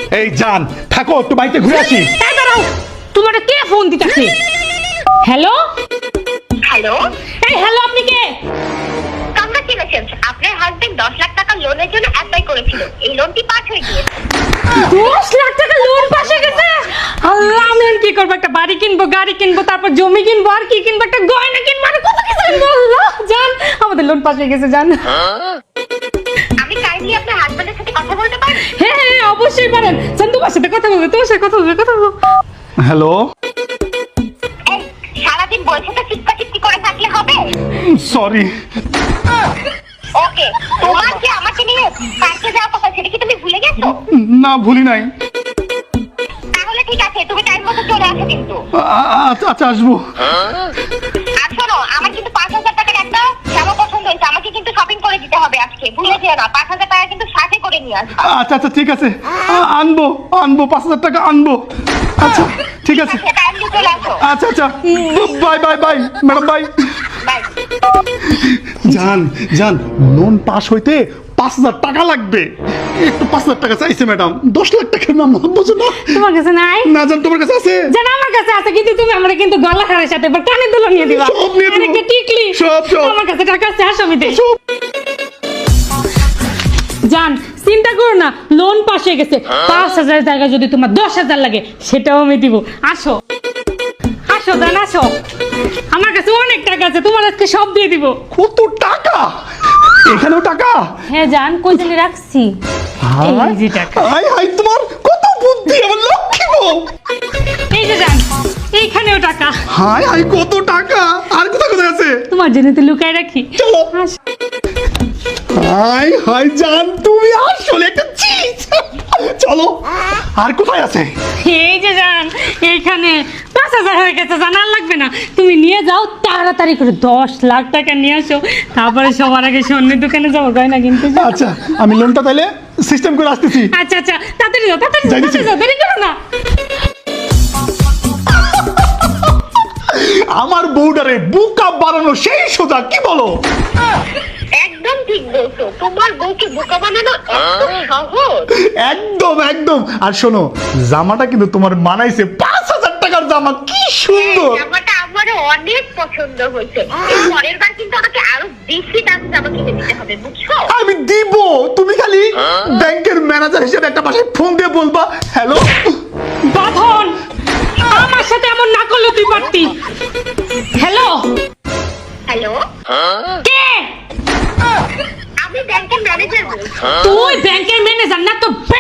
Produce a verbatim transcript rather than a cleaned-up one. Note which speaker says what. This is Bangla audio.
Speaker 1: এই জান থাকো, একটু বাড়িতে ঘুরে আসি।
Speaker 2: এই দাঁড়াও, তোমার কে ফোন দিতেছে? হ্যালো
Speaker 3: হ্যালো,
Speaker 2: এই হ্যালো, আপনি কে?
Speaker 3: কংগ্রাচুলেশনস, আপনার হাজবেন্ড দশ লাখ টাকা লোনের জন্য অ্যাপ্লাই করেছিল। এই লোনটি পাস হয়ে গিয়েছে।
Speaker 2: দশ লাখ টাকা লোন পাস হয়ে গেছে। আল্লাহ, আমি আর কি করবো? একটা বাড়ি কিনবো, গাড়ি কিনবো, তারপর জমি কিনবো, আর কি কিনবো? একটা গয়না কিনবো, আর কত কিছু কিনবো। আল্লাহ জান, আমাদের লোন পাস হয়ে গেছে জান।
Speaker 3: আমি কাইন্ডলি আপনার হাজবেন্ডের সাথে কথা বলতে পারি?
Speaker 2: হ্যাঁ হ্যাঁ, অবশ্যই পারেন। জান, তোমার সাথে কথা বলবো, তোমার সাথে কথা বলবো, কথা বলবো।
Speaker 1: হ্যালো,
Speaker 3: এই সারাদিন বলছে তো চিৎকা চিৎকি করে থাকলে হবে?
Speaker 1: সরি।
Speaker 3: ওকে, তোমার যে আমাকে নিয়ে পার্কে যাওয়ার কথা সেটা কি তুমি ভুলে গেছো?
Speaker 1: না, ভুলি নাই।
Speaker 3: তাহলে ঠিক আছে, তুমি টাইম মতো চলে আসো কিন্তু।
Speaker 1: আ- আচ্ছা আচ্ছা, আসবো।
Speaker 3: আর শোনো, আমার কিন্তু পাঁচ হাজার টাকার একটা জামা পছন্দ হয়েছে, আমাকে কিন্তু শপিং করে দিতে হবে আজকে, ভুলে যেও না। পাঁচ হাজার টাকা কিন্তু সাথে করে নিয়ে আসবা।
Speaker 1: আচ্ছা আচ্ছা, ঠিক আছে, আ- আনবো আনবো পাঁচ হাজার টাকা আনবো। আচ্ছা ঠিক আছে।
Speaker 3: টাইমলি চলে আসো।
Speaker 1: আচ্ছা আচ্ছা, bye bye bye madam, bye.
Speaker 3: Bye.
Speaker 1: জান জান, লোন পাস হইতে পাঁচ হাজার টাকা লাগবে। একটু পাঁচ হাজার টাকা চাইছে ম্যাডাম, দশ লাখ টাকার নাম বুঝো না।
Speaker 2: তোমার কাছে নাই?
Speaker 1: না জান, তোমার কাছে আছে?
Speaker 2: জান, আমার কাছে আছে, কিন্তু তুমি আমরা কিন্তু গলা খাড়ার সাথে এবার কানে দুলো নিয়ে দিবা।
Speaker 1: সব নিয়ে দিবো।
Speaker 2: আর একটা টিকলি।
Speaker 1: সব, সব।
Speaker 2: আমার কাছে টাকা আছে, আসো আমি দেই।
Speaker 1: সব।
Speaker 2: জান, চিন্তা করো না, লোন পাস হয়ে গেছে। পাঁচ হাজার টাকা যদি তোমার দশ হাজার লাগে, সেটাও আমি দিব। আসো আসো জান, আসো। আমার কাছে অনেক টাকা আছে, তোমার আজকে সব দিয়ে দিব।
Speaker 1: কত টাকা? এখানেও টাকা?
Speaker 2: হ্যাঁ জান, কই জানি রাখছি। এই যে টাকা।
Speaker 1: হাই হাই, তোমার কত বুদ্ধি, আমার লক্ষ্মী বউ।
Speaker 2: এই যে জান, এইখানেও টাকা।
Speaker 1: হাই হাই, কত টাকা! আর কোথায় কোথায় আছে?
Speaker 2: তোমার জন্য তো লুকায় রাখি।
Speaker 1: চলো।
Speaker 2: আসো।
Speaker 1: হাই হাই জান, তুমি আসলে একটা চিজ। চলো, আর কোথায় আছে?
Speaker 2: এই যে জান, এইখানে পাঁচ হাজার হয়ে গেছে, জানার লাগবে না। তুমি নিয়ে যাও তাড়াতাড়ি করে, দশ লাখ টাকা নিয়ে আসো। তারপরে সবার আগে স্বর্ণের দোকানে যাবো, গয়না কিনতে যাবো।
Speaker 1: আচ্ছা, আমি লোনটা তাইলে সিস্টেম করে আসতেছি।
Speaker 2: আচ্ছা আচ্ছা, তাড়াতাড়ি যাও, তাড়াতাড়ি যাও,
Speaker 1: যাইতেছি।
Speaker 2: তাড়াতাড়ি যাও, দেরি করো না।
Speaker 1: আমার বউডারে বুকা বানানো সেই সোজা, কি বলো?
Speaker 3: একদম ঠিক বলছো, তোমার বউকে বোকা বানানো এত সহজ।
Speaker 1: একদম একদম। আর শোনো, জামাটা কিন্তু তোমার মানাইছে, পাঁচ হাজার টাকার জামা, কি সুন্দর।
Speaker 3: জামাটা আমারও অনেক পছন্দ হয়েছে। এর পরের বার কিন্তু আমাকে আরো বেশি দামি জামা কিনে দিতে হবে, বুঝছো?
Speaker 1: আমি দিব, তুমি খালি ব্যাংকের ম্যানেজার হিসেবে একটা বাসায় ফোন দিয়ে বলবা, হ্যালো।
Speaker 2: বাঁধন, আমার সাথে এমন না করলে তুই পারতি। হ্যালো,
Speaker 3: হ্যালো,
Speaker 2: কে?
Speaker 3: আমি ব্যাংকের ম্যানেজার বলছি।
Speaker 2: তুই ব্যাংকের ম্যানেজার না তো?